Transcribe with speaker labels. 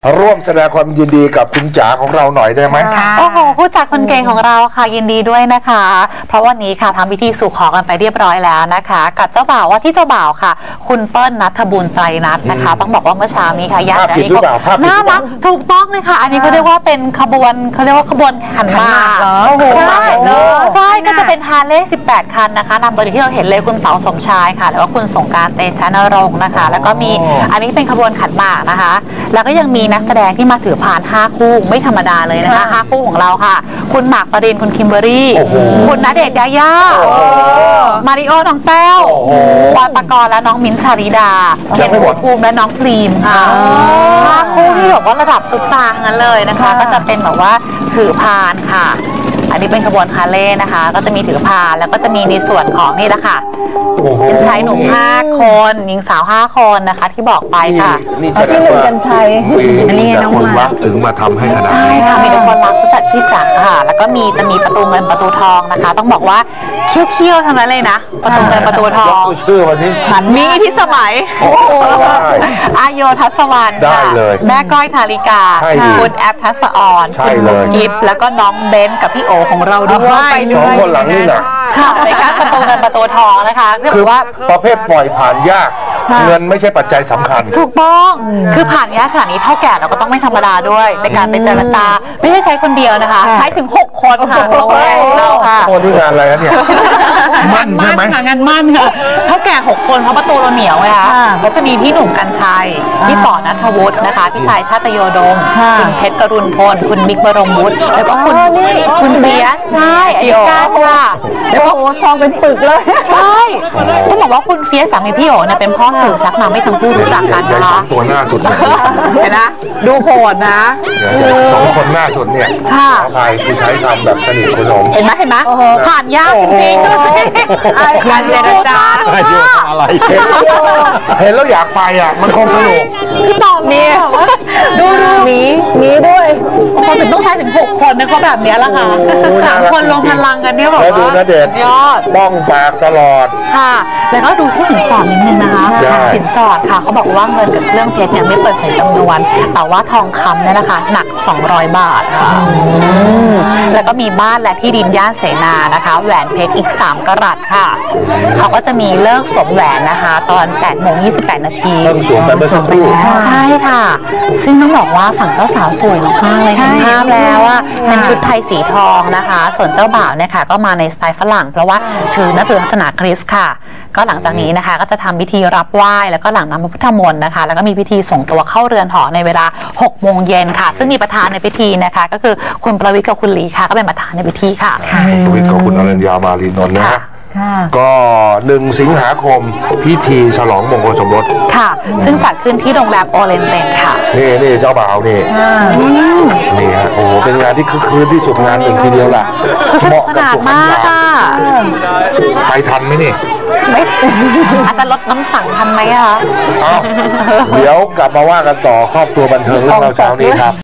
Speaker 1: ร่วมแสดงความยินดีกับคุณจ๋าของเราหน่อยได้ไหม
Speaker 2: โอ้โหผู้จัดคนเก่งของเราค่ะยินดีด้วยนะคะเพราะวันนี้ค่ะทำพิธีสู่ขอกันไปเรียบร้อยแล้วนะคะกับเจ้าบ่าวว่าที่เจ้าบ่าวค่ะคุณเปิ้ลณัฐบุญไตรนัทนะคะต้องบอกว่าเมื่อเช้านี้ค่ะญาติอันนี้ก็น่ารักถูกต้องเลยค่ะอันนี้เขาเรียกว่าเป็นขบวนเขาเรียกว่าขบวนขันหมากใช่ก็จะเป็นฮาร์เลย์18 คันนะคะนำโดยที่เราเห็นเลยคุณเต๋าสมชายค่ะแล้วก็คุณสงกรานต์เตชะนรงค์นะคะแล้วก็มีอันนี้เป็นขบวนขันหมากนะคะแล้วก็ยังมีนักแสดงที่มาถือพาน5 คู่ไม่ธรรมดาเลยนะคะ5 คู่ของเราค่ะคุณหมากปรินคุณคิมเบอรี่คุณณเดชน์ยาย่ามาริโอน้องแต้วบอยปกรณ์และน้องมิ้นท์ชาริดาเคนภูมิและน้องพรีมค่ะ5 คู่ที่บอกว่าระดับซุปตาร์ทั้งนั้นเลยนะคะก็จะเป็นแบบว่าถือพานค่ะอันนี้เป็นขบวนฮาร์เลย์นะคะก็จะมีถือพานแล้วก็จะมีในส่วนของนี่แหละค่ะเป็นชายหนุ่ม5 คนหญิงสาว5 คนนะคะที่บอกไปค่ะ
Speaker 3: ที่หนึ่งกันชัย
Speaker 1: อันนี้น้องคนรักถึงมาทำให้ขนาดนี้
Speaker 2: ใช่ค่ะมีแต่คนรักผู้จัดพี่จ๋าค่ะแล้วก็จะมีประตูเงินประตูทองนะคะต้องบอกว่าเขี้ยวๆทั้งนั้นเลยนะประตูเงินประตูทอง
Speaker 1: ชื่อมาสิ
Speaker 2: มีพิสมัยอาโยทัศวรรณค่ะแม่ก้อยธาริกาคุณแอปทัศออนคุณกิฟต์แล้วก็น้องเบนกับพี่โอของเราด้วย
Speaker 1: 2 คนหลังนี่นะ
Speaker 2: ค่ะในการประตูเงินประตูทองนะคะ
Speaker 1: คือว่าประเภทปล่อยผ่านยากเงินไม่ใช่ปัจจัยสำคัญ
Speaker 2: ถูกต้องคือผ่านยากขนาดนี้เท่าแก่เราก็ต้องไม่ธรรมดาด้วยในการเป็นเจรจาไม่ใช่ใช้คนเดียวนะคะใช้ถึง6 คนค่ะเราค่ะ
Speaker 1: โอ้ดูงานอะไรเนี่ยมั่นใช่ไหม
Speaker 2: งานมั่นค่ะเท่าแก่6 คนเพราะประตูเราเหนียวไงคะก็จะมีพี่หนุ่มกัญชัยพี่ป๋อณัฐวุฒินะคะพี่ชายชาตโยดมคุณเพชรกรุณพลคุณบิ๊กบรมวุฒิแล้วก็คุณเบียสใช่อธิการค่ะ
Speaker 3: แล้วก็ซองเป็นปึกเลย
Speaker 2: ใช่ต้องบอกว่าคุณเฟียสสามีพี่โอ๋เนี่ยเป็นพ่อสื่อชักนำให้ทั้งคู่รู้จักกันนะคะ
Speaker 1: ตัวหน้าสุด
Speaker 2: เห็นนะดูโหดนะ
Speaker 1: 2 คนหน้าสุดเนี่ย
Speaker 2: ค่ะ
Speaker 1: ใครคือใช้คำแบบสนิทคุณผม
Speaker 2: เห็นไหมผ่านยากจริงๆดูสิการเจรจา
Speaker 1: อะไรเห็นแล้วอยากไปอ่ะมันคงสนุก
Speaker 2: คือตอนนี้ดูมีด้วยพอถึงต้องใช้ถึง6 คนนะเขาแบบนี้ละค่ะ3 คนลงพลังกันเนี่ยบอกว่า
Speaker 1: ดูณเดชน์
Speaker 2: ยอด
Speaker 1: บ้องปากตลอด
Speaker 2: ค่ะแล้วก็ดูที่สินสอดนิดนึงนะคะสินสอดค่ะเขาบอกว่าเงินกับเครื่องเพชรเนี่ยไม่เปิดเผยจำนวนแต่ว่าทองคำเนี่ยนะคะหนัก200 บาทค่ะแล้วก็มีบ้านและที่ดินย่านเสนานะคะแหวนเพชรอีก3 กะรัตค่ะเขาก็จะมีเลิกสวมแหวนนะคะตอน8:28 นาที
Speaker 1: เลิกสวมไปเมื่อสักครู่
Speaker 2: ใช่ค่ะซึ่งต้องบอกว่าฝั่งเจ้าสาวสวยมากๆเลยเห็นภาพแล้วว่าเป็นชุดไทยสีทองนะคะส่วนเจ้าบ่าวเนี่ยค่ะก็มาในสไตล์ฝรั่งเพราะว่าถือนับถือศาสนาคริสต์ค่ะก็หลังจากนี้นะคะก็จะทำพิธีรับไหว้แล้วก็หลังน้ำพระพุทธมนต์นะคะแล้วก็มีพิธีส่งตัวเข้าเรือนหอในเวลา6 โมงเย็นค่ะซึ่งมีประธานในพิธีนะคะก็คือคุณประวิตรกับคุณหลีค่ะก็เป็นประธานในพิธีค่ะ
Speaker 1: ประวิตรกับคุณอรัญญามาลีนนท์นะก็1 สิงหาคมพิธีฉลองมงคลสมรส
Speaker 2: ค่ะซึ่งจัดขึ้นที่โรงแรมโอเรนเตนค่ะ
Speaker 1: นี่เจ้าบ่าวนี่ฮะโอ้โหเป็นงานที่คึกคืนที่สุดงาน1ทีเดียวล่ะ
Speaker 2: เหมาะกับสุขภาพ
Speaker 1: ไปทันไหมนี่
Speaker 2: อาจจะลดน้ำสั่งทันไหมคะ
Speaker 1: เดี๋ยวกลับมาว่ากันต่อครอบครัวบันเทิงเรื่องเราเช้านี้ครับ